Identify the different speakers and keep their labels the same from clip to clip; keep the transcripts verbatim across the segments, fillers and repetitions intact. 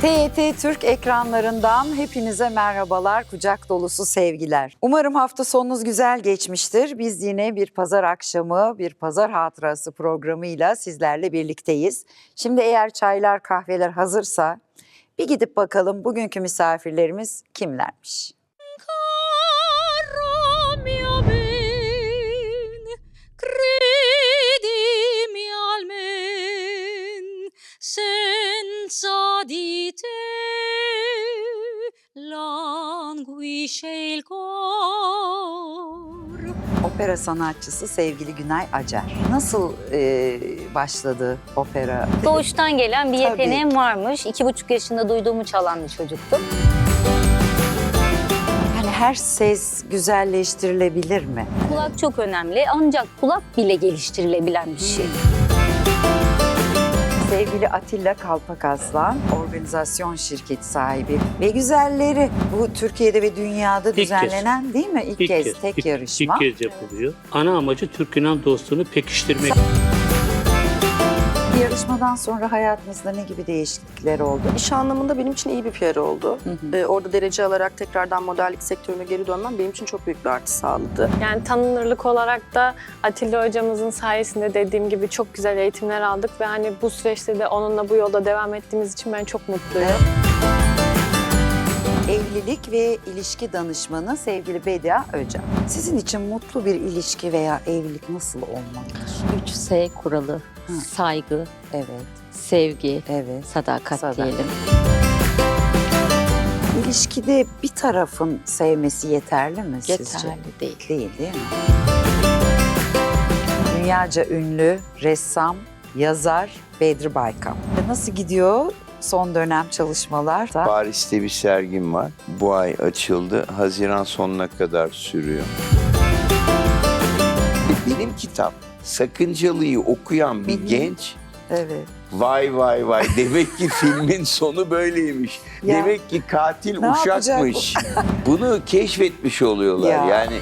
Speaker 1: T Y T Türk ekranlarından hepinize merhabalar, kucak dolusu sevgiler. Umarım hafta sonunuz güzel geçmiştir. Biz yine bir pazar akşamı, bir pazar hatırası programıyla sizlerle birlikteyiz. Şimdi eğer çaylar, kahveler hazırsa bir gidip bakalım bugünkü misafirlerimiz kimlermiş?
Speaker 2: Senza di te languisce il cor.
Speaker 1: Opera sanatçısı sevgili Günay Acar. Nasıl e, başladı opera?
Speaker 2: Doğuştan gelen bir
Speaker 1: Tabii.
Speaker 2: yeteneğim varmış. İki buçuk yaşında duyduğumu çalan bir çocuktum.
Speaker 1: Yani her ses güzelleştirilebilir mi?
Speaker 2: Kulak çok önemli ancak kulak bile geliştirilebilen bir şey.
Speaker 1: Sevgili Atilla Kalpakaslan, organizasyon şirketi sahibi ve güzelleri. Bu Türkiye'de ve dünyada
Speaker 3: İlk
Speaker 1: düzenlenen
Speaker 3: kez.
Speaker 1: değil mi? İlk,
Speaker 3: İlk
Speaker 1: kez,
Speaker 3: kez,
Speaker 1: tek
Speaker 3: ilk,
Speaker 1: yarışma.
Speaker 3: İlk kez yapılıyor. Ana amacı Türk-Yunan dostluğunu pekiştirmek.
Speaker 1: Yarışmadan sonra hayatınızda ne gibi değişiklikler oldu?
Speaker 4: İş anlamında benim için iyi bir P R oldu.
Speaker 1: Hı hı.
Speaker 4: Ee, orada derece alarak tekrardan modellik sektörüne geri dönmem benim için çok büyük bir artı sağladı.
Speaker 5: Yani tanınırlık olarak da Atilla hocamızın sayesinde dediğim gibi çok güzel eğitimler aldık ve hani bu süreçte de onunla bu yolda devam ettiğimiz için ben çok mutluyum.
Speaker 1: Evet. Evlilik ve ilişki danışmanı sevgili Bedia Öcan. Sizin için mutlu bir ilişki veya evlilik nasıl olmalıdır?
Speaker 6: üç S kuralı,
Speaker 1: Hı.
Speaker 6: saygı,
Speaker 1: Evet,
Speaker 6: sevgi,
Speaker 1: evet.
Speaker 6: sadakat,
Speaker 1: Sadakat.
Speaker 6: diyelim.
Speaker 1: İlişkide bir tarafın sevmesi yeterli mi sizce?
Speaker 6: Yeterli değil.
Speaker 1: Değil, değil mi? Dünyaca ünlü ressam, yazar Bedri Baykam. Nasıl gidiyor son dönem çalışmalar?
Speaker 7: Paris'te bir sergim var. Bu ay açıldı. Haziran sonuna kadar sürüyor. Benim kitap Sakıncalı'yı okuyan bir genç
Speaker 1: Evet.
Speaker 7: vay vay vay demek ki filmin sonu böyleymiş.
Speaker 1: Ya.
Speaker 7: Demek ki katil
Speaker 1: Ne yapacak
Speaker 7: uşakmış. Bunu keşfetmiş oluyorlar
Speaker 1: Ya.
Speaker 7: yani.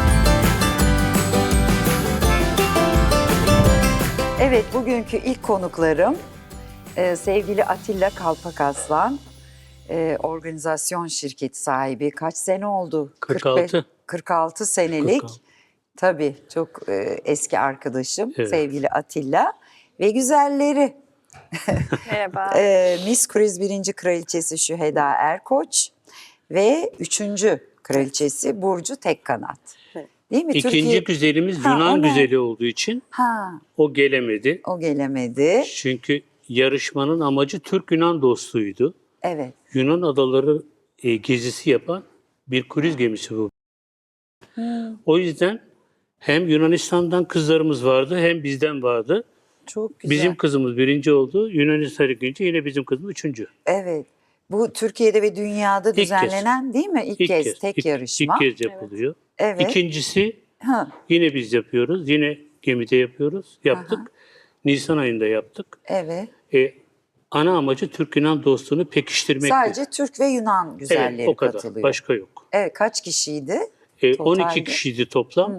Speaker 1: Evet, bugünkü ilk konuklarım e, sevgili Atilla Kalpakaslan, e, organizasyon şirketi sahibi. Kaç sene oldu?
Speaker 3: kırk
Speaker 1: kırk beş
Speaker 3: altı.
Speaker 1: kırk altı senelik.
Speaker 3: kırk altı.
Speaker 1: Tabii çok e, eski arkadaşım
Speaker 3: Evet.
Speaker 1: sevgili Atilla ve güzelleri.
Speaker 5: Merhaba.
Speaker 1: e, Miss Cruise birinci kraliçesi Şüheda Erkoç ve üçüncü kraliçesi Burcu Tekkanat.
Speaker 4: Evet.
Speaker 1: Değil mi?
Speaker 3: İkinci
Speaker 1: Türkiye...
Speaker 3: güzelimiz
Speaker 1: Ha,
Speaker 3: Yunan
Speaker 1: o ne?
Speaker 3: güzeli olduğu için
Speaker 1: Ha,
Speaker 3: o gelemedi.
Speaker 1: o gelemedi.
Speaker 3: Çünkü yarışmanın amacı Türk-Yunan dostluğuydu.
Speaker 1: Evet.
Speaker 3: Yunan adaları e, gezisi yapan bir kruz gemisi bu. O yüzden hem Yunanistan'dan kızlarımız vardı hem bizden vardı.
Speaker 1: Çok güzel.
Speaker 3: Bizim kızımız birinci oldu. Yunanistan ikinci, yine bizim kızımız üçüncü.
Speaker 1: Evet. Bu Türkiye'de ve dünyada
Speaker 3: kez.
Speaker 1: düzenlenen değil mi? İlk, kez, tek
Speaker 3: ilk-
Speaker 1: yarışma.
Speaker 3: İlk kez yapılıyor.
Speaker 1: Evet.
Speaker 3: İkincisi
Speaker 1: Ha,
Speaker 3: yine biz yapıyoruz. Yine gemide yapıyoruz. Yaptık. Nisan ayında yaptık.
Speaker 1: evet.
Speaker 3: E, ana amacı Türk-Yunan dostluğunu pekiştirmek.
Speaker 1: Sadece Türk ve Yunan güzelleri
Speaker 3: Evet, o kadar.
Speaker 1: katılıyor.
Speaker 3: Başka yok.
Speaker 1: Evet, kaç kişiydi?
Speaker 3: E,
Speaker 1: Totalde?
Speaker 3: on iki kişiydi toplam.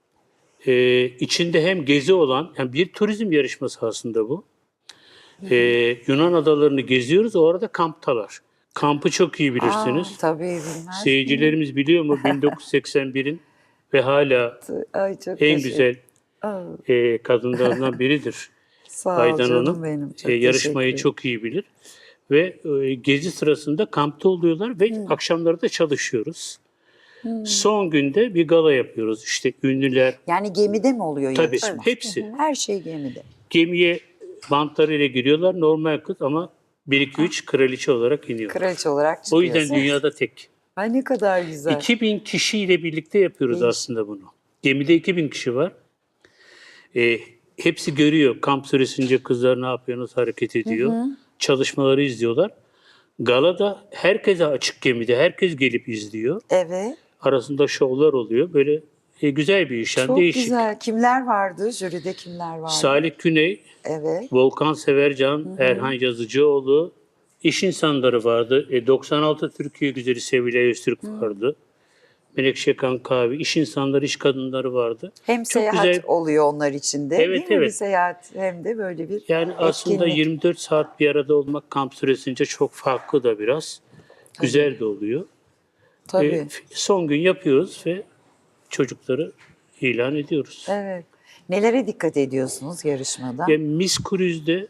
Speaker 3: E, içinde hem gezi olan, yani bir turizm yarışması aslında bu. E, Yunan adalarını geziyoruz, o arada kamptalar. Kampı çok iyi bilirsiniz.
Speaker 1: Aa, tabii bilmez.
Speaker 3: Seyircilerimiz biliyor mu bin dokuz yüz seksen birin ve hala
Speaker 1: Ay, çok
Speaker 3: en
Speaker 1: teşekkür-
Speaker 3: güzel
Speaker 1: Aa,
Speaker 3: e, kadınlarından biridir.
Speaker 1: sağ ol
Speaker 3: Aydan
Speaker 1: canım
Speaker 3: Hanım
Speaker 1: benim. Çok
Speaker 3: e, yarışmayı
Speaker 1: teşekkür
Speaker 3: çok iyi bilir. Ve e, gezi sırasında kampta oluyorlar ve akşamları da çalışıyoruz. Son günde bir gala yapıyoruz. İşte ünlüler,
Speaker 1: Yani gemide mi oluyor
Speaker 3: tabii
Speaker 1: yarışma?
Speaker 3: hepsi
Speaker 1: Her şey gemide.
Speaker 3: gemiye bantlarıyla giriyorlar. Normal kız ama bir iki üç kraliçe olarak iniyor.
Speaker 1: Kraliçe olarak
Speaker 3: O
Speaker 1: çıkıyorsun.
Speaker 3: yüzden dünyada tek.
Speaker 1: Ay ne kadar güzel.
Speaker 3: iki bin kişiyle birlikte yapıyoruz
Speaker 1: Değişik.
Speaker 3: aslında bunu. Gemide iki bin kişi var. E, hepsi görüyor. Kamp süresince kızlar ne yapıyor, nasıl hareket ediyor. Çalışmaları izliyorlar. Galada herkese açık gemide. Herkes gelip izliyor.
Speaker 1: Evet.
Speaker 3: Arasında şovlar oluyor. Böyle e, güzel bir iş. Yani
Speaker 1: Çok
Speaker 3: değişik.
Speaker 1: güzel. Kimler vardı? Jüride kimler vardı?
Speaker 3: Salih Güney,
Speaker 1: Evet.
Speaker 3: Volkan Severcan, Erhan Yazıcıoğlu, iş insanları vardı. E, doksan altı Türkiye güzeli Sevilay Öztürk vardı. Menekşe Kankavi, iş insanları, iş kadınları vardı.
Speaker 1: Hem
Speaker 3: Çok
Speaker 1: seyahat
Speaker 3: güzel.
Speaker 1: oluyor onlar için de.
Speaker 3: Evet,
Speaker 1: değil mi? Bir
Speaker 3: evet.
Speaker 1: seyahat hem de böyle bir
Speaker 3: Yani aslında
Speaker 1: etkinlik.
Speaker 3: yirmi dört saat bir arada olmak kamp süresince çok farklı da biraz. Güzel de oluyor.
Speaker 1: Tabii.
Speaker 3: E, son gün yapıyoruz ve çocukları ilan ediyoruz.
Speaker 1: Evet. Nelere dikkat ediyorsunuz yarışmada?
Speaker 3: Yani Miss Cruise'de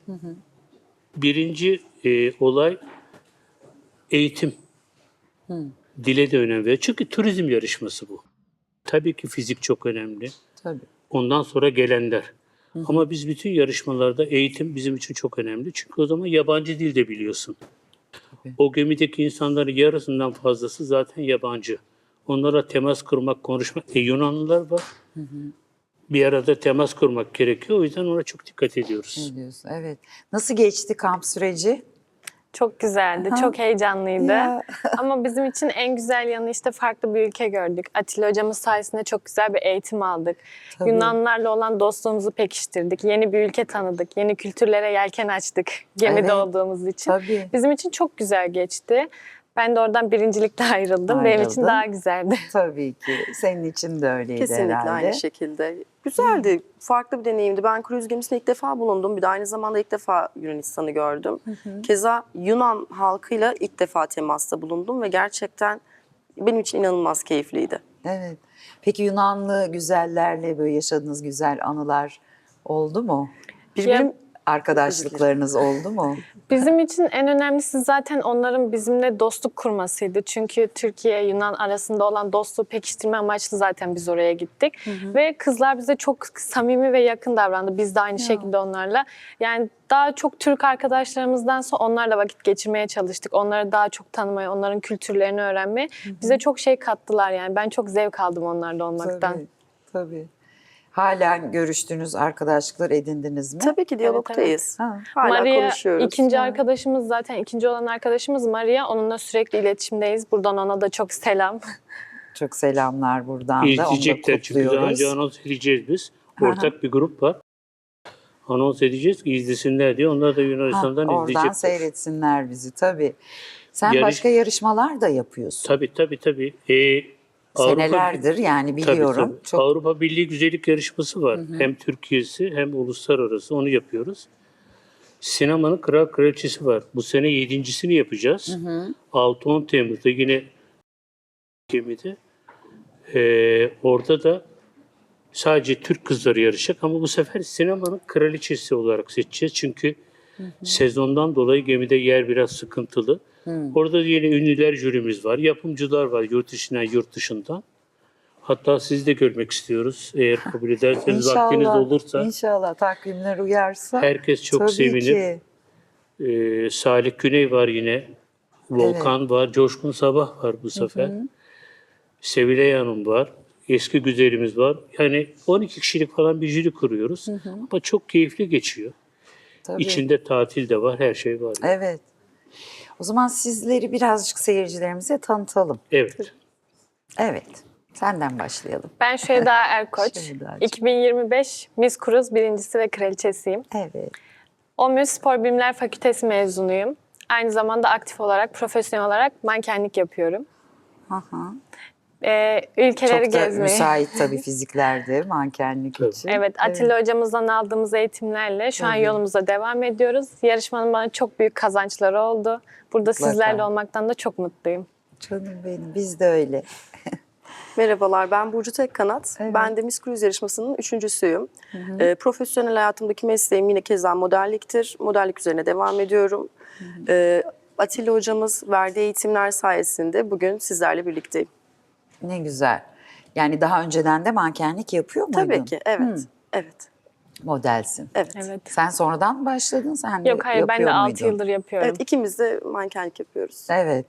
Speaker 3: birinci e, olay eğitim. Dile de önem veriyor. Çünkü turizm yarışması bu. Tabii ki fizik çok önemli.
Speaker 1: Tabii.
Speaker 3: Ondan sonra gelenler. Ama biz bütün yarışmalarda eğitim bizim için çok önemli. Çünkü o zaman yabancı dil de biliyorsun. O gemideki insanların yarısından fazlası zaten yabancı. Onlara temas kurmak, konuşmak. E, Yunanlılar var. Bir arada temas kurmak gerekiyor. O yüzden ona çok dikkat ediyoruz.
Speaker 1: Ne diyorsun? Evet. Nasıl geçti kamp süreci?
Speaker 5: Çok güzeldi, çok heyecanlıydı.
Speaker 1: Ya.
Speaker 5: Ama bizim için en güzel yanı işte farklı bir ülke gördük. Atilla hocamız sayesinde çok güzel bir eğitim aldık.
Speaker 1: Tabii.
Speaker 5: Yunanlarla olan dostluğumuzu pekiştirdik. Yeni bir ülke tanıdık. Yeni kültürlere yelken açtık gemide
Speaker 1: Evet.
Speaker 5: olduğumuz için.
Speaker 1: Tabii.
Speaker 5: Bizim için çok güzel geçti. Ben de oradan birincilikle ayrıldım. Benim için
Speaker 1: Ayrıldın.
Speaker 5: daha güzeldi.
Speaker 1: Tabii ki. Senin için de öyleydi
Speaker 4: Kesinlikle
Speaker 1: herhalde.
Speaker 4: aynı şekilde. Güzeldi, farklı bir deneyimdi. Ben kruz gemisinde ilk defa bulundum. Bir de aynı zamanda ilk defa Yunanistan'ı gördüm. Keza Yunan halkıyla ilk defa temasta bulundum ve gerçekten benim için inanılmaz keyifliydi.
Speaker 1: Evet. Peki Yunanlı güzellerle böyle yaşadığınız güzel anılar oldu mu?
Speaker 4: Birbirim
Speaker 1: Arkadaşlıklarınız oldu mu?
Speaker 5: Bizim için en önemlisi zaten onların bizimle dostluk kurmasıydı. Çünkü Türkiye-Yunan arasında olan dostluğu pekiştirme amaçlı zaten biz oraya gittik. Ve kızlar bize çok samimi ve yakın davrandı. Biz de aynı şekilde onlarla. Yani daha çok Türk arkadaşlarımızdansa onlarla vakit geçirmeye çalıştık. Onları daha çok tanımaya, onların kültürlerini öğrenmeye. Bize çok şey kattılar yani. Ben çok zevk aldım onlarla olmaktan.
Speaker 1: Tabii, tabii. Halen görüştüğünüz arkadaşlıklar edindiniz mi?
Speaker 4: Tabii ki diyalogtayız.
Speaker 1: Ha.
Speaker 4: Hala
Speaker 5: Maria
Speaker 4: konuşuyoruz.
Speaker 5: ikinci arkadaşımız zaten ikinci olan arkadaşımız Maria. Onunla sürekli iletişimdeyiz. Buradan ona da çok selam.
Speaker 1: Çok selamlar buradan da. Onu da
Speaker 3: İzleyecekler çünkü daha
Speaker 1: kutluyoruz.
Speaker 3: önce anons edeceğiz biz. Ortak bir grup var. Anons edeceğiz ki izlesinler diye. Onlar da
Speaker 1: Ha,
Speaker 3: Yunanistan'dan
Speaker 1: oradan
Speaker 3: izleyecekler.
Speaker 1: seyretsinler bizi tabii. Sen
Speaker 3: Yarış-
Speaker 1: başka yarışmalar da yapıyorsun.
Speaker 3: Tabii tabii tabii. Ee, Avrupa-
Speaker 1: Senelerdir yani
Speaker 3: Tabii,
Speaker 1: biliyorum.
Speaker 3: tabii.
Speaker 1: Çok
Speaker 3: Avrupa Birliği Güzellik Yarışması var. Hem Türkiye'si hem uluslararası onu yapıyoruz. Sinemanın Kral Kraliçesi var. Bu sene yedincisini yapacağız. altı on Temmuz'da yine gemide. Ee, orada da sadece Türk kızları yarışacak ama bu sefer sinemanın kraliçesi olarak seçeceğiz. Çünkü sezondan dolayı gemide yer biraz sıkıntılı. Orada yine ünlüler jürimiz var, yapımcılar var yurt içinden, yurt dışından. Hatta sizi de görmek istiyoruz. Eğer kabul ederseniz, vaktiniz olursa.
Speaker 1: İnşallah takvimler uyarsa.
Speaker 3: Herkes çok
Speaker 1: tabii
Speaker 3: sevinir.
Speaker 1: ki.
Speaker 3: Ee, Salih Güney var yine. Volkan var. Coşkun Sabah var bu sefer. Sevilay Hanım var. Eski güzelimiz var. Yani on iki kişilik falan bir jüri kuruyoruz. Ama çok keyifli geçiyor.
Speaker 1: Tabii.
Speaker 3: İçinde tatil de var, her şey var.
Speaker 1: Evet. O zaman sizleri birazcık seyircilerimize tanıtalım.
Speaker 3: Evet.
Speaker 1: Evet. Senden başlayalım.
Speaker 5: Ben Şeyda Erkoç.
Speaker 1: Şeydacığım.
Speaker 5: iki bin yirmi beş Miss Cruise birincisi ve kraliçesiyim.
Speaker 1: Evet.
Speaker 5: OMÜ Spor Bilimler Fakültesi mezunuyum. Aynı zamanda aktif olarak, profesyonel olarak mankenlik yapıyorum.
Speaker 1: Aha.
Speaker 5: Ee, ülkeleri
Speaker 1: Çok da
Speaker 5: gezmeyi.
Speaker 1: müsait tabii fiziklerde mankenlik
Speaker 3: Tabii.
Speaker 1: için.
Speaker 5: Evet, Atilla hocamızdan aldığımız eğitimlerle şu an
Speaker 1: Tabii.
Speaker 5: yolumuza devam ediyoruz. Yarışmanın bana çok büyük kazançları oldu. Burada
Speaker 1: Mutlaka.
Speaker 5: sizlerle olmaktan da çok mutluyum.
Speaker 1: Canım benim, biz de öyle.
Speaker 4: Merhabalar, ben Burcu Tekkanat.
Speaker 1: Evet.
Speaker 4: Ben de Miss Cruise yarışmasının üçüncüsüyüm. Ee, profesyonel hayatımdaki mesleğim yine keza modelliktir. Modellik üzerine devam ediyorum. Ee, Atilla hocamız verdiği eğitimler sayesinde bugün sizlerle birlikteyim.
Speaker 1: Ne güzel. Yani daha önceden de mankenlik yapıyor muydun?
Speaker 4: Tabii ki, evet. Evet,
Speaker 1: Modelsin.
Speaker 4: evet.
Speaker 5: Evet.
Speaker 1: Sen sonradan mı başladın? Sen de
Speaker 5: Yok hayır, ben de
Speaker 1: yapıyor
Speaker 5: altı
Speaker 1: muydun?
Speaker 5: yıldır yapıyorum.
Speaker 4: Evet, ikimiz de mankenlik yapıyoruz.
Speaker 1: Evet.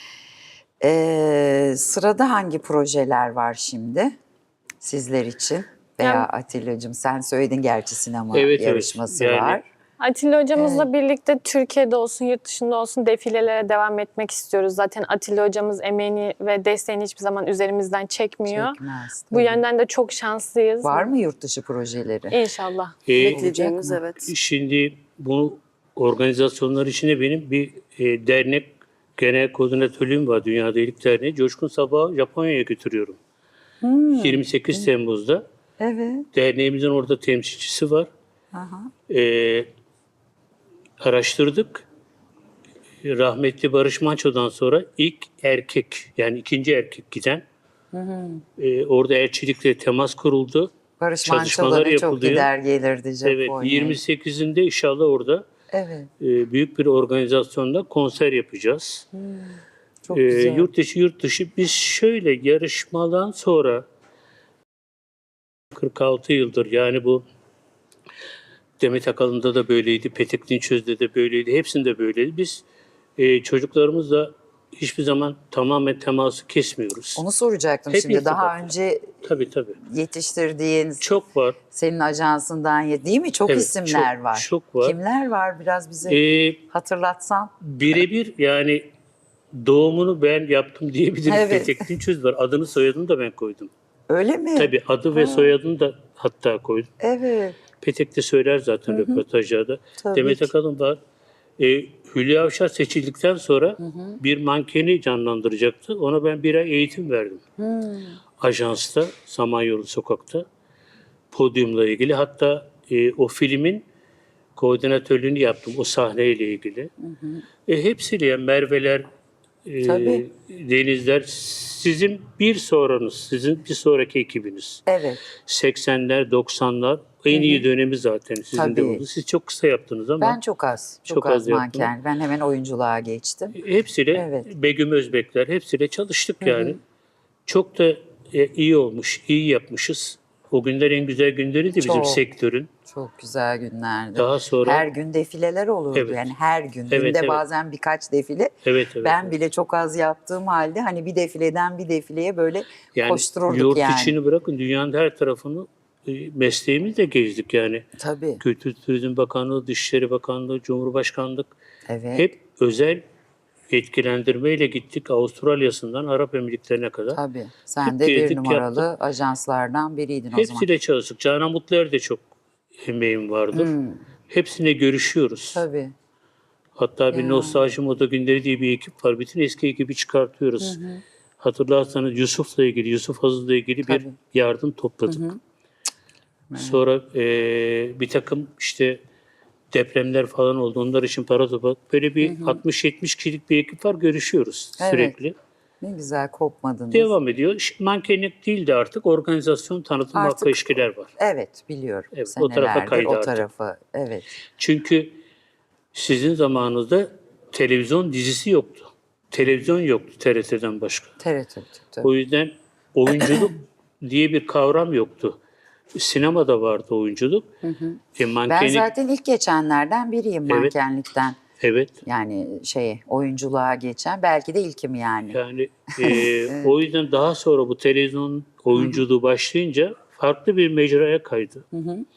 Speaker 1: Ee, sırada hangi projeler var şimdi sizler için? Veya
Speaker 5: Yani-
Speaker 1: Atilla'cığım sen söyledin gerçi sinema
Speaker 3: Evet, evet.
Speaker 1: yarışması
Speaker 3: Yani-
Speaker 1: var.
Speaker 5: Atilla hocamızla birlikte Türkiye'de olsun, yurt dışında olsun defilelere devam etmek istiyoruz. Zaten Atilla hocamız emeğini ve desteğini hiçbir zaman üzerimizden çekmiyor.
Speaker 1: Çekmez,
Speaker 5: Bu
Speaker 1: tabii.
Speaker 5: yönden de çok şanslıyız.
Speaker 1: Var mı yurt dışı projeleri?
Speaker 5: İnşallah.
Speaker 3: Ee,
Speaker 4: Bekleyeceğimiz,
Speaker 1: olacak mı?
Speaker 4: evet.
Speaker 3: Şimdi bu organizasyonlar içinde benim bir e, dernek genel koordinatörlüğüm var Dünya Delilik Derneği. Coşkun Sabah'ı Japonya'ya götürüyorum. yirmi sekiz Temmuz'da.
Speaker 1: Evet.
Speaker 3: Derneğimizin orada temsilcisi var. Ee, araştırdık. Rahmetli Barış Manço'dan sonra ilk erkek, yani ikinci erkek giden. Ee, orada elçilikle temas kuruldu.
Speaker 1: Barış
Speaker 3: Çalışmalar
Speaker 1: Manço'ların çok
Speaker 3: yapılıyor.
Speaker 1: gider gelirdi Japonya'ya.
Speaker 3: Evet, yirmi sekizinde inşallah orada
Speaker 1: Evet.
Speaker 3: e, büyük bir organizasyonda konser yapacağız.
Speaker 1: Çok
Speaker 3: Ee,
Speaker 1: güzel.
Speaker 3: yurt dışı yurt dışı biz şöyle yarışmadan sonra kırk altı yıldır, yani bu Demet Akalın'da da böyleydi, Petek Dinçöz'de de böyleydi, hepsinde böyleydi. Biz e, çocuklarımızla hiçbir zaman tamamen teması kesmiyoruz.
Speaker 1: Onu soracaktım
Speaker 3: Hep
Speaker 1: şimdi. Daha
Speaker 3: irtibat.
Speaker 1: önce
Speaker 3: Tabii tabii.
Speaker 1: yetiştirdiğin,
Speaker 3: Çok var.
Speaker 1: senin ajansından ye- değil mi? Çok
Speaker 3: Evet,
Speaker 1: isimler
Speaker 3: çok-
Speaker 1: var.
Speaker 3: çok var.
Speaker 1: Kimler var biraz bize
Speaker 3: Ee,
Speaker 1: hatırlatsan?
Speaker 3: birebir yani doğumunu ben yaptım diyebilirim.
Speaker 1: Evet.
Speaker 3: Petek Dinçöz var. Adını soyadını da ben koydum.
Speaker 1: Öyle mi?
Speaker 3: Tabii adı ve soyadını da hatta koydum.
Speaker 1: Evet.
Speaker 3: Petek de söyler zaten röportajlarda.
Speaker 1: Tabii
Speaker 3: Demet
Speaker 1: ki.
Speaker 3: Akalın var. E, Hülya Avşar seçildikten sonra bir mankeni canlandıracaktı. Ona ben bir ay eğitim verdim. Ajansta, Samanyolu Sokak'ta. Podyumla ilgili. Hatta e, o filmin koordinatörlüğünü yaptım o sahneyle ilgili. E, hepsiyle yani Merve'ler, e,
Speaker 1: Tabii.
Speaker 3: Denizler, sizin bir sonranız, sizin bir sonraki ekibiniz.
Speaker 1: Evet.
Speaker 3: seksenler, doksanlar en iyi dönemi zaten sizin de
Speaker 1: Tabii.
Speaker 3: oldu. Siz çok kısa yaptınız ama
Speaker 1: Ben çok az. Çok,
Speaker 3: Çok
Speaker 1: az,
Speaker 3: az yaptım.
Speaker 1: manken. Ben hemen oyunculuğa geçtim.
Speaker 3: hepsiyle
Speaker 1: Evet.
Speaker 3: Begüm Özbekler, hepsiyle çalıştık yani. Çok da e, iyi olmuş, iyi yapmışız. O günler en güzel günleriydi bizim
Speaker 1: Çok.
Speaker 3: sektörün.
Speaker 1: Çok güzel günlerdi.
Speaker 3: Daha sonra
Speaker 1: Her gün defileler olurdu.
Speaker 3: Evet.
Speaker 1: Yani her gün.
Speaker 3: Evet,
Speaker 1: Günde
Speaker 3: evet.
Speaker 1: bazen birkaç defile.
Speaker 3: evet evet.
Speaker 1: Ben bile çok az yaptığım halde hani bir defileden bir defileye böyle
Speaker 3: yani
Speaker 1: koştururduk
Speaker 3: yurt
Speaker 1: yani.
Speaker 3: içini bırakın dünyanın her tarafını e, mesleğimizle gezdik yani.
Speaker 1: Tabii.
Speaker 3: Kültür Turizm Bakanlığı, Dışişleri Bakanlığı, Cumhurbaşkanlık
Speaker 1: Evet.
Speaker 3: hep özel yetkilendirmeyle gittik Avustralya'sından Arap Emirlikleri'ne kadar.
Speaker 1: Tabii. Sen
Speaker 3: Hep
Speaker 1: de bir
Speaker 3: gezdik,
Speaker 1: numaralı
Speaker 3: yaptık.
Speaker 1: ajanslardan biriydin o zaman.
Speaker 3: Hepsiyle çalıştık. Canan Mutluer'de çok emeğim vardır. Hepsine görüşüyoruz.
Speaker 1: Hmm. Tabii.
Speaker 3: Hatta bir
Speaker 1: Ya.
Speaker 3: Nostalji Moda Günleri diye bir ekip var. Bütün eski ekibi çıkartıyoruz. Hatırlarsanız Yusuf'la ilgili, Yusuf Hazır'la ilgili bir
Speaker 1: Tabii.
Speaker 3: yardım topladık. Sonra eee, bir takım işte depremler falan oldu. Onlar için para topladık. Böyle bir altmış yetmiş kişilik bir ekip var. Görüşüyoruz
Speaker 1: Evet.
Speaker 3: sürekli.
Speaker 1: Ne güzel kopmadınız.
Speaker 3: Devam ediyor. İşte mankenlik değil de artık organizasyon, tanıtım,
Speaker 1: Artık-
Speaker 3: marka ilişkiler var.
Speaker 1: Evet biliyorum.
Speaker 3: Evet, o tarafa
Speaker 1: Senelerdir
Speaker 3: kaydı
Speaker 1: o
Speaker 3: artık.
Speaker 1: tarafa. Evet.
Speaker 3: Çünkü sizin zamanınızda televizyon dizisi yoktu. Televizyon yoktu T R T'den başka.
Speaker 1: T R T tabii.
Speaker 3: O yüzden oyunculuk diye bir kavram yoktu. Sinemada vardı oyunculuk. E,
Speaker 1: Ben
Speaker 3: mankenlik,
Speaker 1: zaten ilk geçenlerden biriyim
Speaker 3: Evet.
Speaker 1: mankenlikten.
Speaker 3: evet.
Speaker 1: Yani şey oyunculuğa geçen belki de ilkim yani.
Speaker 3: Yani e, o yüzden daha sonra bu televizyon oyunculuğu başlayınca farklı bir mecraya kaydı.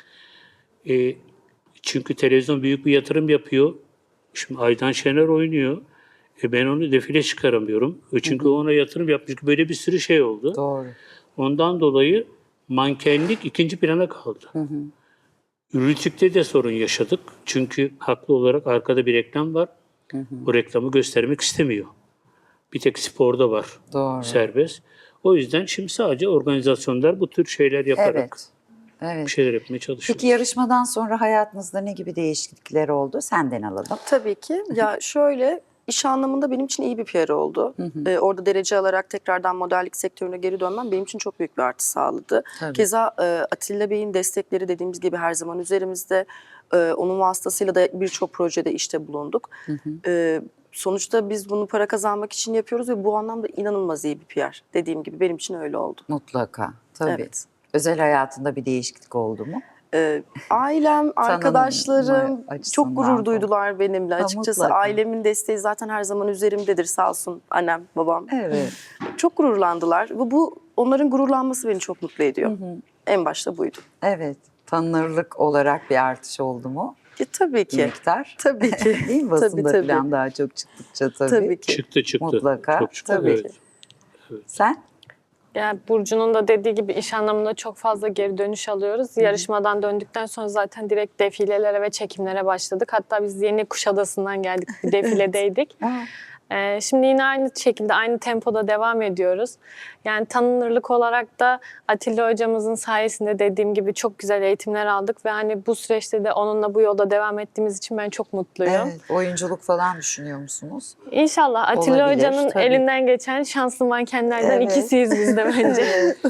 Speaker 3: E, çünkü televizyon büyük bir yatırım yapıyor. Şimdi Aydan Şener oynuyor. E, ben onu defile çıkaramıyorum. E, çünkü ona yatırım yapmış. Böyle bir sürü şey oldu.
Speaker 1: Doğru.
Speaker 3: Ondan dolayı mankenlik ikinci plana kaldı. Rütük'te de sorun yaşadık. Çünkü haklı olarak arkada bir reklam var. O reklamı göstermek istemiyor. Bir tek sporda var
Speaker 1: Doğru.
Speaker 3: serbest. O yüzden şimdi sadece organizasyonlar bu tür şeyler yaparak
Speaker 1: Evet. Evet.
Speaker 3: bir şeyler yapmaya çalışıyor.
Speaker 1: Peki yarışmadan sonra hayatınızda ne gibi değişiklikler oldu? Senden alalım.
Speaker 4: Tabii ki. Ya şöyle iş anlamında benim için iyi bir P R oldu. Ee, orada derece alarak tekrardan modellik sektörüne geri dönmem benim için çok büyük bir artı sağladı.
Speaker 1: Tabii.
Speaker 4: Keza e, Atilla Bey'in destekleri dediğimiz gibi her zaman üzerimizde. E, onun vasıtasıyla da birçok projede işte bulunduk. E, sonuçta biz bunu para kazanmak için yapıyoruz ve bu anlamda inanılmaz iyi bir P R. Dediğim gibi benim için öyle oldu.
Speaker 1: Mutlaka. Tabii.
Speaker 4: Evet.
Speaker 1: Özel hayatında bir değişiklik oldu mu?
Speaker 4: Ee, ailem, arkadaşlarım
Speaker 1: açısından
Speaker 4: çok gurur
Speaker 1: falan.
Speaker 4: duydular benimle.
Speaker 1: Ha,
Speaker 4: Açıkçası
Speaker 1: mutlaka.
Speaker 4: ailemin desteği zaten her zaman üzerimdedir sağ olsun annem, babam.
Speaker 1: Evet.
Speaker 4: Çok gururlandılar. Bu, bu onların gururlanması beni çok mutlu ediyor. En başta buydu.
Speaker 1: Evet. Tanınırlık olarak bir artış oldu mu?
Speaker 4: Ya, tabii
Speaker 1: Bir
Speaker 4: ki.
Speaker 1: miktar.
Speaker 4: Tabii ki.
Speaker 1: Değil mi? Basında
Speaker 4: Tabii, tabii.
Speaker 1: falan daha çok çıktıkça tabii.
Speaker 4: Tabii ki.
Speaker 3: Çıktı çıktı.
Speaker 1: Mutlaka,
Speaker 3: Çok çıktı.
Speaker 1: tabii.
Speaker 3: Evet.
Speaker 1: Sen?
Speaker 5: Yani Burcu'nun da dediği gibi iş anlamında çok fazla geri dönüş alıyoruz. Yarışmadan döndükten sonra zaten direkt defilelere ve çekimlere başladık. Hatta biz yeni Kuşadası'ndan geldik, bir defiledeydik.
Speaker 1: Aa,
Speaker 5: Ee, şimdi yine aynı şekilde, aynı tempoda devam ediyoruz. Yani tanınırlık olarak da Atilla hocamızın sayesinde dediğim gibi çok güzel eğitimler aldık ve hani bu süreçte de onunla bu yolda devam ettiğimiz için ben çok mutluyum.
Speaker 1: Evet, oyunculuk falan düşünüyor musunuz?
Speaker 5: İnşallah Atilla
Speaker 1: Olabilir,
Speaker 5: hocanın
Speaker 1: tabii.
Speaker 5: elinden geçen şanslı mankenlerden
Speaker 1: Evet.
Speaker 5: ikisiyiz biz de bence.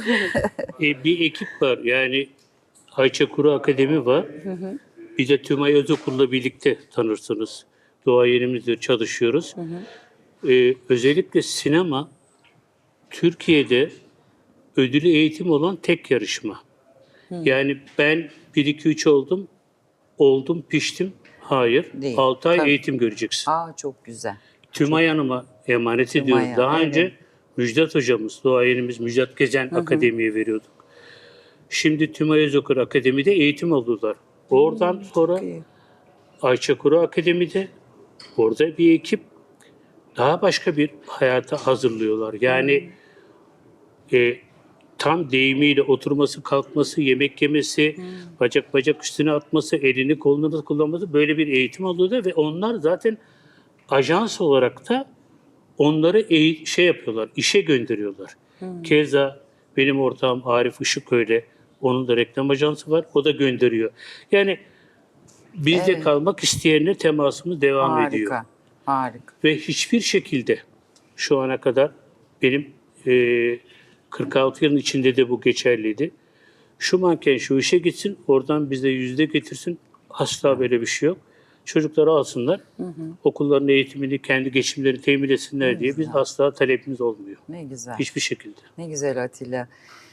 Speaker 3: E, bir ekip var. Yani Ayça Kuru Akademi var. Bir de Tümay Özokul'la birlikte tanırsınız. Doğayenimizle çalışıyoruz. E, özellikle sinema Türkiye'de ödülü eğitim olan tek yarışma. Yani ben bir iki üç oldum, oldum, piştim. Hayır.
Speaker 1: Değil,
Speaker 3: altı ay
Speaker 1: tabii.
Speaker 3: eğitim göreceksin.
Speaker 1: Aa, çok güzel.
Speaker 3: Tümay Hanım'a emanet ediyoruz.
Speaker 1: Tümay'a,
Speaker 3: Daha
Speaker 1: evet.
Speaker 3: önce Müjdat hocamız, doğayenimiz Müjdat Gezen Akademi'ye veriyorduk. Şimdi Tümay Özokul Akademi'de eğitim aldılar. Oradan sonra
Speaker 1: iyi.
Speaker 3: Ayça Kuru Akademi'de orada bir ekip daha başka bir hayata hazırlıyorlar. Yani e, tam deyimiyle oturması, kalkması, yemek yemesi, bacak bacak üstüne atması, elini kolunu kullanması, böyle bir eğitim alıyorlar ve onlar zaten ajans olarak da onları eğ- şey yapıyorlar, işe gönderiyorlar. Keza benim ortağım Arif Işık öyle. Onun da reklam ajansı var. O da gönderiyor. Yani bizde
Speaker 1: Evet.
Speaker 3: kalmak isteyenle temasımız devam ediyor.
Speaker 1: Harika, harika.
Speaker 3: Ve hiçbir şekilde şu ana kadar benim e, kırk altı yılın içinde de bu geçerliydi. Şu manken şu işe gitsin, oradan bize yüzde getirsin. Asla böyle bir şey yok. Çocukları alsınlar, okulların eğitimini, kendi geçimlerini temin etsinler diye biz asla talebimiz olmuyor.
Speaker 1: Ne güzel.
Speaker 3: Hiçbir şekilde.
Speaker 1: Ne güzel Atilla.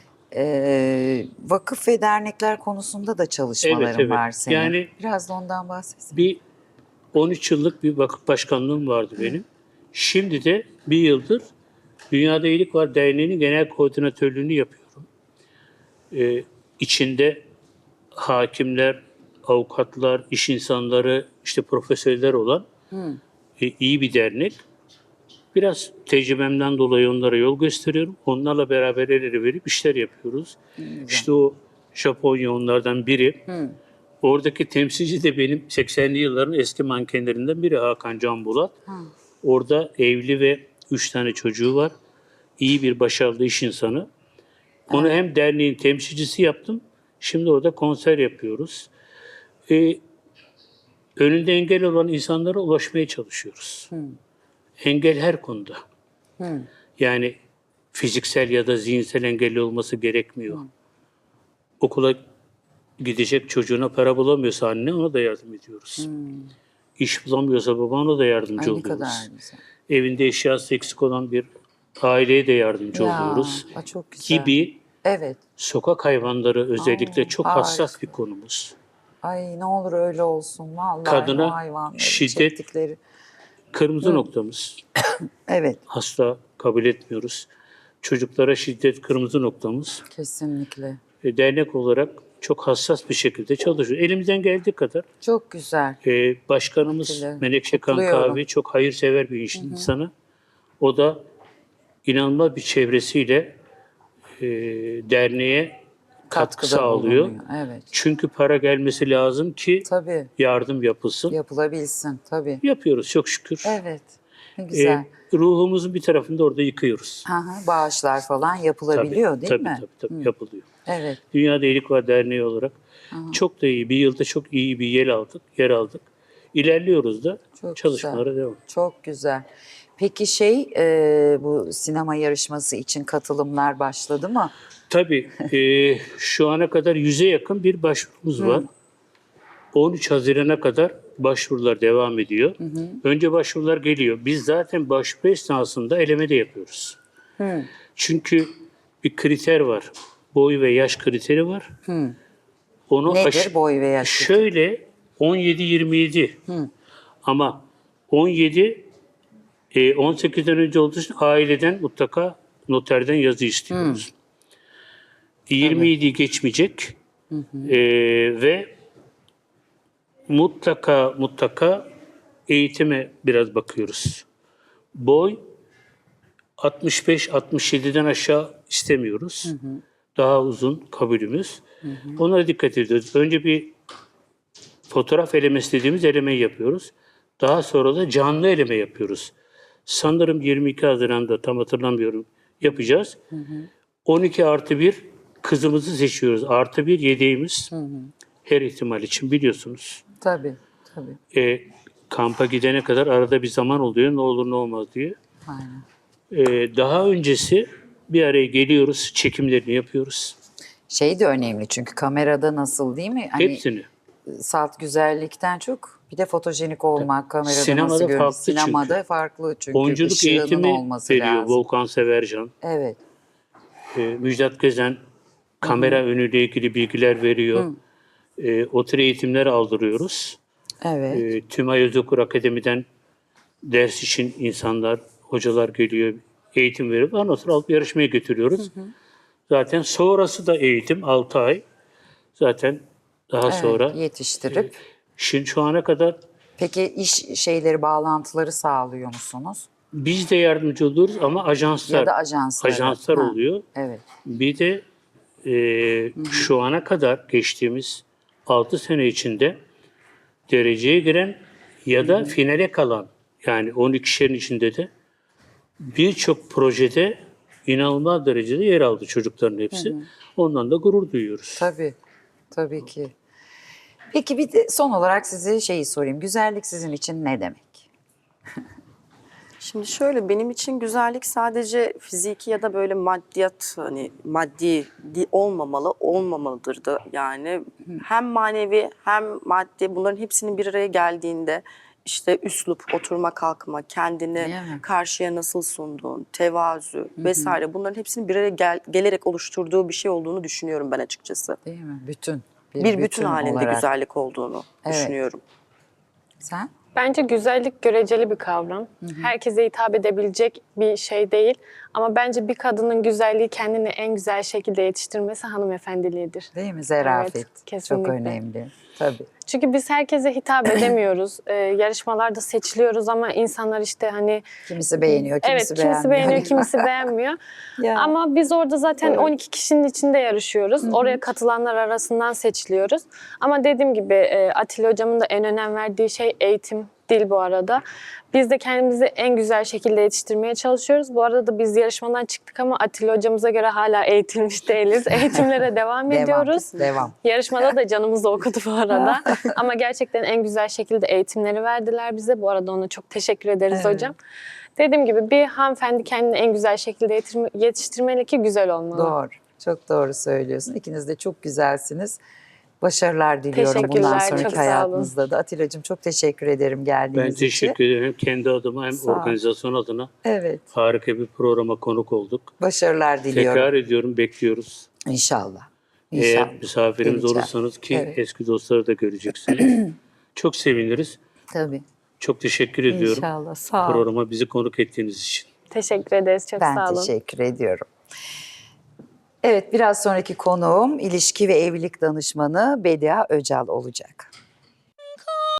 Speaker 1: Ee, vakıf ve dernekler konusunda da çalışmaların
Speaker 3: Evet, evet.
Speaker 1: var senin.
Speaker 3: Yani-
Speaker 1: Biraz da ondan bahsetsin.
Speaker 3: Bir on üç yıllık bir vakıf başkanlığım vardı benim. Şimdi de bir yıldır Dünyada İyilik Var Derneği'nin genel koordinatörlüğünü yapıyorum. Ee, içinde hakimler, avukatlar, iş insanları, işte profesörler olan e, iyi bir dernek. Biraz tecrübemden dolayı onlara yol gösteriyorum. Onlarla beraber el ele verip işler yapıyoruz. İşte o Japonya onlardan biri. Oradaki temsilci de benim seksenli yılların eski mankenlerinden biri Hakan Can Bulat. Orada evli ve üç tane çocuğu var. İyi bir başarılı iş insanı. Onu hem derneğin temsilcisi yaptım. Şimdi orada konser yapıyoruz. Ee, önünde engel olan insanlara ulaşmaya çalışıyoruz. Engel her konuda. Yani fiziksel ya da zihinsel engelli olması gerekmiyor. Okula gidecek çocuğuna para bulamıyorsa anne ona da yardım ediyoruz. İş bulamıyorsa baba ona da yardımcı
Speaker 1: Ay, ne
Speaker 3: oluyoruz.
Speaker 1: kadar güzel.
Speaker 3: Evinde eşyası eksik olan bir aileye de yardımcı
Speaker 1: Ya,
Speaker 3: oluyoruz.
Speaker 1: aa, çok güzel.
Speaker 3: Gibi
Speaker 1: Evet.
Speaker 3: sokak hayvanları özellikle
Speaker 1: Aa,
Speaker 3: çok
Speaker 1: harika.
Speaker 3: hassas bir konumuz.
Speaker 1: Ay, ne olur öyle olsun. Vallahi
Speaker 3: Kadına
Speaker 1: o hayvanların
Speaker 3: şiddet-
Speaker 1: çektikleri.
Speaker 3: Kırmızı noktamız.
Speaker 1: Evet,
Speaker 3: Asla kabul etmiyoruz. Çocuklara şiddet kırmızı noktamız.
Speaker 1: kesinlikle.
Speaker 3: E, dernek olarak çok hassas bir şekilde çalışıyoruz. Elimizden geldiği kadar.
Speaker 1: Çok güzel.
Speaker 3: E, başkanımız
Speaker 1: Atilla,
Speaker 3: Menekşe
Speaker 1: kutluyorum.
Speaker 3: Kankavi çok hayırsever bir iş insanı. O da inanılmaz bir çevresiyle e, derneğe katkı
Speaker 1: Katkıda
Speaker 3: sağlıyor.
Speaker 1: bulunuyor. Evet.
Speaker 3: Çünkü para gelmesi lazım ki
Speaker 1: Tabii.
Speaker 3: yardım yapılsın.
Speaker 1: Yapılabilsin. Tabii.
Speaker 3: Yapıyoruz çok şükür.
Speaker 1: Evet. Ne
Speaker 3: E,
Speaker 1: güzel.
Speaker 3: ruhumuzun bir tarafını da orada yıkıyoruz.
Speaker 1: Hı hı, bağışlar falan yapılabiliyor
Speaker 3: Tabii,
Speaker 1: değil
Speaker 3: tabii,
Speaker 1: mi?
Speaker 3: Tabii tabii yapılıyor.
Speaker 1: Evet.
Speaker 3: Dünyada İyilik Var Derneği olarak çok da iyi, bir yılda çok iyi bir yer aldık, yer aldık. İlerliyoruz da
Speaker 1: Çok
Speaker 3: çalışmalara
Speaker 1: güzel.
Speaker 3: devam.
Speaker 1: Çok güzel. Peki şey e, bu sinema yarışması için katılımlar başladı mı?
Speaker 3: Tabii e, şu ana kadar yüze yakın bir başvurumuz var. on üç Haziran'a kadar başvurular devam ediyor. Önce başvurular geliyor. Biz zaten başvuru esnasında eleme de yapıyoruz. Çünkü bir kriter var. Boy ve yaş kriteri var. Onu
Speaker 1: Nedir
Speaker 3: aş-
Speaker 1: boy ve yaş?
Speaker 3: Şöyle on yedi yirmi yedi. Ama on yedi e, on sekizden önce olduğu için aileden mutlaka noterden yazı istiyoruz. yirmi yediyi geçmeyecek. E, ve mutlaka mutlaka eğitime biraz bakıyoruz. Boy altmış beş altmış yediden aşağı istemiyoruz. Daha uzun kabulümüz. Onlara dikkat ediyoruz. Önce bir fotoğraf elemesi dediğimiz elemeyi yapıyoruz. Daha sonra da canlı eleme yapıyoruz. Sanırım yirmi iki Haziran'da, tam hatırlamıyorum, yapacağız. on iki artı bir kızımızı seçiyoruz. Artı bir yedeğimiz. Her ihtimal için biliyorsunuz.
Speaker 1: Tabii, tabii.
Speaker 3: E, kampa gidene kadar arada bir zaman oluyor. Ne olur ne olmaz diye.
Speaker 1: Aynen.
Speaker 3: E, daha öncesi bir araya geliyoruz. Çekimlerini yapıyoruz.
Speaker 1: Şey de önemli çünkü kamerada nasıl değil mi? Hani
Speaker 3: Hepsini.
Speaker 1: salt güzellikten çok bir de fotojenik olmak, kamerada
Speaker 3: Sinemada
Speaker 1: nasıl görünüyor?
Speaker 3: farklı çünkü.
Speaker 1: Sinemada farklı çünkü.
Speaker 3: Oyunculuk
Speaker 1: ışığının
Speaker 3: eğitimi
Speaker 1: olması
Speaker 3: veriyor
Speaker 1: lazım.
Speaker 3: Volkan Severcan.
Speaker 1: Evet.
Speaker 3: E, Müjdat Gezen kamera önüyle ilgili bilgiler veriyor. E, o tür eğitimler aldırıyoruz.
Speaker 1: Evet.
Speaker 3: E, Tümay Özokur Akademi'den ders için insanlar, hocalar geliyor, eğitim verip ondan sonra alıp yarışmaya götürüyoruz. Zaten sonrası da eğitim altı ay. Zaten daha
Speaker 1: Evet,
Speaker 3: sonra
Speaker 1: yetiştirip.
Speaker 3: şimdi şu ana kadar
Speaker 1: Peki iş şeyleri, bağlantıları sağlıyor musunuz?
Speaker 3: biz de yardımcı oluyoruz ama ajanslar,
Speaker 1: Ya da ajanslar.
Speaker 3: ajanslar
Speaker 1: Ha,
Speaker 3: oluyor.
Speaker 1: Evet.
Speaker 3: Bir de e, şu ana kadar geçtiğimiz altı sene içinde dereceye giren ya da finale kalan, yani on iki kişinin içinde de birçok projede inanılmaz derecede yer aldı çocukların hepsi. Ondan da gurur duyuyoruz.
Speaker 1: Tabii. Tabii ki. Peki bir de son olarak size şeyi sorayım. Güzellik sizin için ne demek?
Speaker 4: Şimdi şöyle, benim için güzellik sadece fiziki ya da böyle maddiyat, hani maddi di- olmamalı, olmamalıdır da yani. Hem manevi hem maddi, bunların hepsinin bir araya geldiğinde işte üslup, oturma kalkma, kendini
Speaker 1: Değil mi?
Speaker 4: karşıya nasıl sunduğun, tevazu vesaire, bunların hepsinin bir araya gel- gelerek oluşturduğu bir şey olduğunu düşünüyorum ben açıkçası.
Speaker 1: Değil mi? Bütün.
Speaker 4: Bir bütün, halinde
Speaker 1: olarak.
Speaker 4: güzellik olduğunu
Speaker 1: Evet.
Speaker 4: düşünüyorum.
Speaker 1: Sen?
Speaker 5: Bence güzellik göreceli bir kavram. Herkese hitap edebilecek bir şey değil. Ama bence bir kadının güzelliği kendini en güzel şekilde yetiştirmesi hanımefendiliğidir.
Speaker 1: Değil mi? Zarafet.
Speaker 5: Evet,
Speaker 1: Çok
Speaker 5: kesinlikle.
Speaker 1: önemli. Tabii.
Speaker 5: Çünkü biz herkese hitap edemiyoruz. Ee, yarışmalarda seçiliyoruz ama insanlar işte hani
Speaker 1: Kimisi beğeniyor, kimisi
Speaker 5: evet
Speaker 1: beğenmiyor.
Speaker 5: kimisi beğeniyor, kimisi beğenmiyor.
Speaker 1: Ya.
Speaker 5: Ama biz orada zaten on iki kişinin içinde yarışıyoruz. Oraya katılanlar arasından seçiliyoruz. Ama dediğim gibi e, Atilla hocamın da en önem verdiği şey eğitim, dil bu arada. Biz de kendimizi en güzel şekilde yetiştirmeye çalışıyoruz. Bu arada da biz yarışmadan çıktık ama Atilla hocamıza göre hala eğitilmiş değiliz. Eğitimlere devam ediyoruz.
Speaker 1: Devam.
Speaker 5: Yarışmada da canımız okudu bu arada. Ama gerçekten en güzel şekilde eğitimleri verdiler bize. Bu arada ona çok teşekkür ederiz
Speaker 1: Evet.
Speaker 5: hocam. Dediğim gibi bir hanımefendi kendini en güzel şekilde yetirme- yetiştirmeli ki güzel olmalı.
Speaker 1: Doğru. Çok doğru söylüyorsun. İkiniz de çok güzelsiniz. Başarılar diliyorum bundan
Speaker 5: Teşekkürler, çok
Speaker 1: sonraki
Speaker 5: sağ olun.
Speaker 1: hayatınızda da. Atilla'cığım çok teşekkür ederim geldiğiniz
Speaker 3: Ben
Speaker 1: için.
Speaker 3: teşekkür ederim. Hem kendi adıma hem
Speaker 1: Sağ ol.
Speaker 3: organizasyon adına
Speaker 1: Evet.
Speaker 3: harika bir programa konuk olduk.
Speaker 1: Başarılar diliyorum.
Speaker 3: Tekrar ediyorum, bekliyoruz.
Speaker 1: İnşallah. İnşallah.
Speaker 3: Eğer misafirimiz
Speaker 1: Geleceğim.
Speaker 3: olursanız ki
Speaker 1: Evet.
Speaker 3: eski dostları da göreceksiniz. Çok seviniriz.
Speaker 1: Tabii.
Speaker 3: Çok teşekkür ediyorum
Speaker 1: İnşallah. Sağ ol.
Speaker 3: programa bizi konuk ettiğiniz için.
Speaker 5: Teşekkür ederiz. Çok
Speaker 1: Ben
Speaker 5: sağ olun.
Speaker 1: teşekkür ediyorum. Evet, biraz sonraki konuğum ilişki ve evlilik danışmanı Bedia Öcal olacak.